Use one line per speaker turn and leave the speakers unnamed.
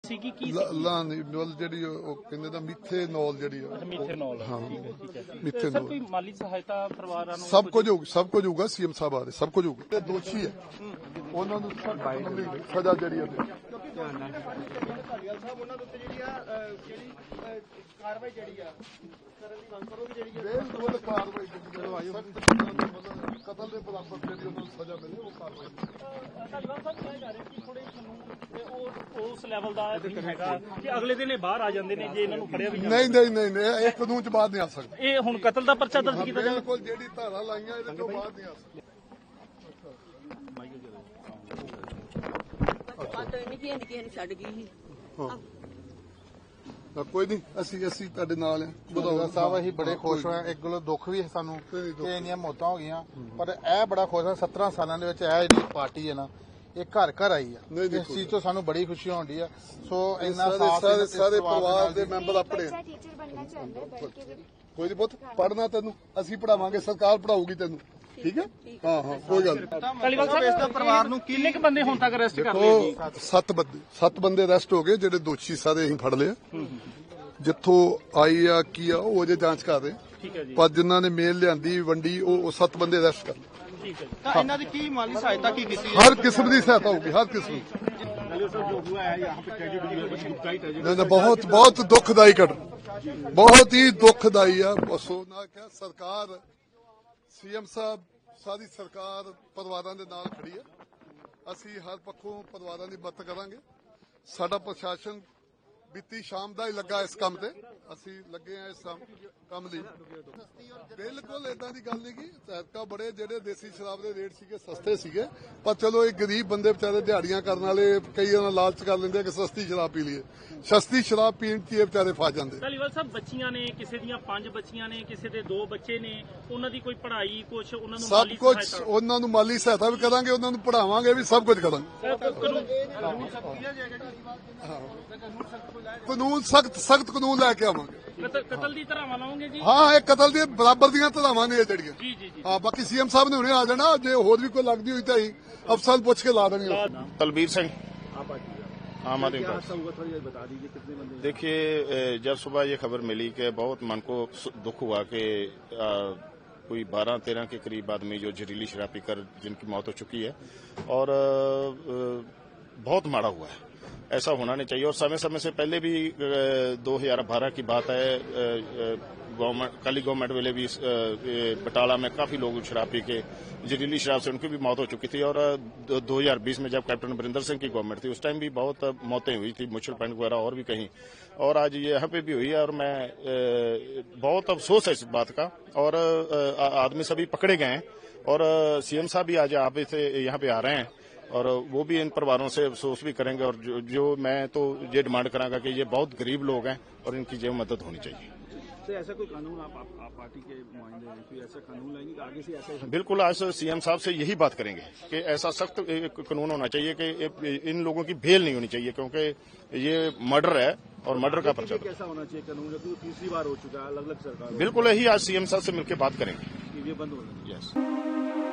ਸੀਗੀ ਕੀ
ਲਾਨੋਲ ਜਿਹੜੀ ਉਹ ਕਹਿੰਦੇ ਨਾ ਮਿਥੇਨੋਲ ਜਿਹੜੀ ਆ
ਮਿਥੇਨੋਲ।
ਹਾਂ
ਠੀਕ ਹੈ।
ਮਿਥੇਨੋਲ।
ਸਰ ਕੋਈ ਮਾਲੀ ਸਹਾਇਤਾ ਪਰਿਵਾਰਾਂ ਨੂੰ
ਸਭ ਕੁਝ ਹੋਊਗਾ ਸੀਐਮ ਸਾਹਿਬ ਆ ਰਹੇ ਸਭ ਕੁਝ ਹੋਊਗਾ। ਤੇ ਦੋਸ਼ੀ ਹੈ ਉਹਨਾਂ ਨੂੰ ਸਜ਼ਾ ਜਿਹੜੀ ਹੈ
ਕਾਰਵਾਈ ਜਿਹੜੀ ਆ ਕਰਨ ਦੀ ਮੰਗ ਕਰੋਗੇ ਜਿਹੜੀ
ਬਿਲਕੁਲ ਕਾਰਵਾਈ ਕਤਲ ਦੇ ਬਰਾਬਰ ਜਿਹੜੀ ਉਹਨਾਂ ਨੂੰ ਸਜ਼ਾ ਮਿਲੇ ਉਹ ਕਾਰਵਾਈ।
ਧਾਲੀਵਾਲ ਸਾਹਿਬ ਕਹਿ ਜਾ ਰਹੇ ਕਿ ਥੋੜੇ ਕਾਨੂੰਨ ਤੇ ਉਹ ਉਸ ਲੈਵਲ ਦਾ ਨਹੀਂ ਹੈਗਾ ਕਿ ਅਗਲੇ ਦਿਨ ਇਹ ਬਾਹਰ ਆ ਜਾਂਦੇ ਨੇ ਜੇ ਇਹਨਾਂ ਨੂੰ ਫੜਿਆ ਵੀ
ਨਹੀਂ ਇਹ ਕਾਨੂੰਨ ਚ ਬਾਅਦ ਨਹੀਂ ਆ ਸਕਦਾ।
ਇਹ ਹੁਣ ਕਤਲ ਦਾ ਪਰਚਾ ਦਰਜ ਕੀਤਾ ਜਾਵੇ।
ਬਿਲਕੁਲ ਜਿਹੜੀ ਧਾਰਾ ਲਾਈਆਂ ਇਹਦੇ ਤੋਂ ਬਾਅਦ ਨਹੀਂ ਆ ਸਕਦਾ।
ਛੱਡ ਗਈ ਸੀ
ਕੋਈ ਨਹੀਂ ਅਸੀਂ ਤੁਹਾਡੇ ਨਾਲ ਹਾਂ।
ਬਧੌੜਾ ਸਾਹਿਬ ਅਸੀਂ ਬੜੇ ਖੁਸ਼ ਹੋਏ। ਇੱਕ ਗੱਲੋਂ ਦੁੱਖ ਵੀ ਹੈ ਸਾਨੂੰ ਕਿ ਇੰਨੀਆਂ ਮੌਤਾਂ ਹੋ ਗਈਆਂ, ਪਰ ਇਹ ਬੜਾ ਖੁਸ਼ ਹਾਂ 17 ਸਾਲਾਂ ਦੇ ਵਿੱਚ ਇਹ ਜਿਹੜੀ ਪਾਰਟੀ ਹੈ ਨਾ ਇਹ ਘਰ ਘਰ ਆਈ ਆ। ਇਸ ਚੀਜ਼ ਤੋਂ ਸਾਨੂੰ ਬੜੀ ਖੁਸ਼ੀ ਹੁੰਦੀ ਆ। ਸੋ ਇੰਨਾ
ਸਾਰੇ ਪਰਿਵਾਰ ਦੇ ਮੈਂਬਰ ਆਪਣੇ ਕੋਈ ਨਹੀਂ ਪੁੱਤ ਪੜ੍ਹਨਾ ਤੈਨੂੰ ਅਸੀਂ ਪੜਾਵਾਂਗੇ, ਸਰਕਾਰ ਪੜਾਊਗੀ ਤੈਨੂੰ। ਠੀਕ ਹੈ ਹਾਂ ਕੋਈ ਗੱਲ ਨਹੀਂ।
ਧਾਲੀਵਾਲ ਸਾਹਿਬ ਇਸ ਦਾ ਪਰਿਵਾਰ ਨੂੰ ਕਿੰਨੇ ਕੁ ਬੰਦੇ ਹੁਣ ਤੱਕ ਅਰੈਸਟ ਕਰ ਲਏ ਜੀ?
7 ਬੰਦੇ ਅਰੈਸਟ ਹੋ ਗਏ ਜਿਹੜੇ ਦੋਸ਼ੀ ਸਾਰੇ ਅਸੀਂ ਫੜ ਲਏ। ਜਿੱਥੋਂ ਆਈ ਆ ਕੀ ਆ ਉਹ ਅਜੇ ਜਾਂਚ ਕਰ ਰਹੇ।
ਠੀਕ ਹੈ ਜੀ।
ਪਰ ਜਿਨ੍ਹਾਂ ਨੇ ਮੇਲ ਲਿਆਂਦੀ ਵੰਡੀ ਉਹ 7 ਬੰਦੇ ਅਰੈਸਟ ਕਰ ਲਏ।
ਠੀਕ ਹੈ ਜੀ।
ਤਾਂ ਇਹਨਾਂ ਦੀ ਕੀ ਮਾਲੀ ਸਹਾਇਤਾ ਕੀ ਕੀਤੀ
ਹਰ ਕਿਸਮ ਦੀ ਸਹਾਇਤਾ ਹੋਊਗੀ, ਹਰ ਕਿਸਮ ਦੀ। ਬਹੁਤ ਦੁਖਦਾਈ ਘਟਨਾ, ਬਹੁਤ ਹੀ ਦੁਖਦਾਈ ਆ। ਸੋ ਨਾ ਕਿਹਾ ਸਰਕਾਰ ਸੀਐਮ ਸਾਹਿਬ ਸਾਰੀ ਸਰਕਾਰ ਪਰਿਵਾਰਾਂ ਦੇ ਨਾਲ ਖੜੀ ਹੈ। ਅਸੀਂ ਹਰ ਪੱਖੋਂ ਪਰਿਵਾਰਾਂ ਦੀ ਮਦਦ ਕਰਾਂਗੇ। ਸਾਡਾ ਪ੍ਰਸ਼ਾਸਨ ਬੀਤੀ ਸ਼ਾਮ ਦਾ ਹੀ ਲੱਗਾ ਇਸ ਕੰਮ ਤੇ, ਅਸੀਂ ਲੱਗੇ ਆ ਇਸ ਕੰਮ ਲਈ। ਬਿਲਕੁਲ ਏਦਾਂ ਦੀ ਗੱਲ ਨਹੀਂ ਗੀ। ਸੈਰਕਾ ਬੜੇ ਜਿਹੜੇ ਦੇਸੀ ਸ਼ਰਾਬ ਦੇ ਰੇਟ ਸੀਗੇ ਸਸਤੇ ਸੀਗੇ, ਪਰ ਚਲੋ ਇਹ ਗਰੀਬ ਬੰਦੇ ਵਿਚਾਰੇ ਦਿਹਾੜੀਆਂ ਕਰਨ ਵਾਲੇ ਕਈ ਉਹਨਾਂ ਲਾਲਚ ਕਰ ਲੈਂਦੇ ਕਿ ਸਸਤੀ ਸ਼ਰਾਬ ਪੀ ਲਈਏ। ਸਸਤੀ ਸ਼ਰਾਬ ਪੀਣ ਚ ਇਹ ਵਿਚਾਰੇ ਫਸ ਜਾਂਦੇ।
ਧਾਲੀਵਾਲ ਸਾਹਿਬ ਬੱਚੀਆਂ ਨੇ, ਕਿਸੇ ਦੀਆਂ 5 ਬੱਚੀਆਂ ਨੇ, ਕਿਸੇ ਦੇ 2 ਬੱਚੇ ਨੇ, ਉਹਨਾਂ ਦੀ ਕੋਈ ਪੜ੍ਹਾਈ ਕੁਛ ਉਹਨਾਂ ਨੂੰ
ਸਭ ਕੁਝ ਉਹਨਾਂ ਨੂੰ ਮਾਲੀ ਸਹਾਇਤਾ ਵੀ ਕਰਾਂਗੇ, ਉਹਨਾਂ ਨੂੰ ਪੜਾਵਾਂਗੇ ਵੀ, ਸਭ ਕੁਝ ਕਰਾਂਗੇ। ਕਾਨੂੰਨ ਸਖਤ ਕਾਨੂੰਨ ਲੈ ਕੇ ਆਵਾਂਗੇ।
ਕਤਲ ਦੀ ਧਾਰਾਵਾਂ ਲਾਉਂਗੇ ਜੀ?
ਹਾਂ ਇਹ ਕਤਲ ਦੇ ਬਰਾਬਰ ਦੀਆਂ ਧਾਰਾਵਾਂ ਨੇ ਇਹ ਜਿਹੜੀਆਂ।
ਜੀ ਜੀ ਜੀ।
ਹਾਂ ਬਾਕੀ ਸੀਐਮ ਸਾਹਿਬ ਨੇ ਹੁਣੇ ਆ ਜਾਣਾ, ਜੇ ਹੋਰ ਵੀ ਕੋਈ ਲੱਗਦੀ ਹੋਈ ਤਾਂ ਹੀ ਅਫਸਰ ਨੂੰ ਪੁੱਛ ਕੇ ਲਾ देंगे।
तलबीर सिंह आम आदमी पार्टी। देखिए जब सुबह ये खबर मिली कि बहुत मन को दुख हुआ कि कोई 12-13 के करीब आदमी जो जहरीली शराब पीकर जिनकी मौत हो चुकी है और बहुत माड़ा हुआ है। ऐसा होना नहीं चाहिए। और समय समय से पहले भी 2012 की बात है, काली गवर्नमेंट वेले भी बटाला में काफी लोग शराब पी के जहरीली शराब से उनकी भी मौत हो चुकी थी। और 2020 में जब कैप्टन अमरिंदर सिंह की गवर्नमेंट थी उस टाइम भी बहुत मौतें हुई थी, मुच्छल पॉइंट वगैरह और भी कहीं। और आज ये यहाँ पे भी हुई है और मैं बहुत अफसोस है इस बात का। और आदमी सभी पकड़े गए हैं और सीएम साहब भी आज आप इसे यहाँ पे आ रहे हैं और वो भी इन परिवारों से अफसोस भी करेंगे। और जो मैं तो ये डिमांड करांगा कि ये बहुत गरीब लोग हैं और इनकी जो मदद होनी चाहिए।
तो ऐसा कोई कानून आप पार्टी के नुमाइंदे हैं, कोई ऐसा कानून लाएंगे कि आगे से ऐसा?
बिल्कुल आज सीएम साहब से यही बात करेंगे कि ऐसा सख्त कानून होना चाहिए कि इन लोगों की बेल नहीं होनी चाहिए, क्योंकि ये मर्डर है और मर्डर का पर्चा।
कैसा होना चाहिए कानून? क्योंकि तीसरी बार हो चुका है, अलग अलग सरकार।
बिल्कुल यही आज सीएम साहब से मिलकर बात करेंगे।
ये बंद होना चाहिए।
यस।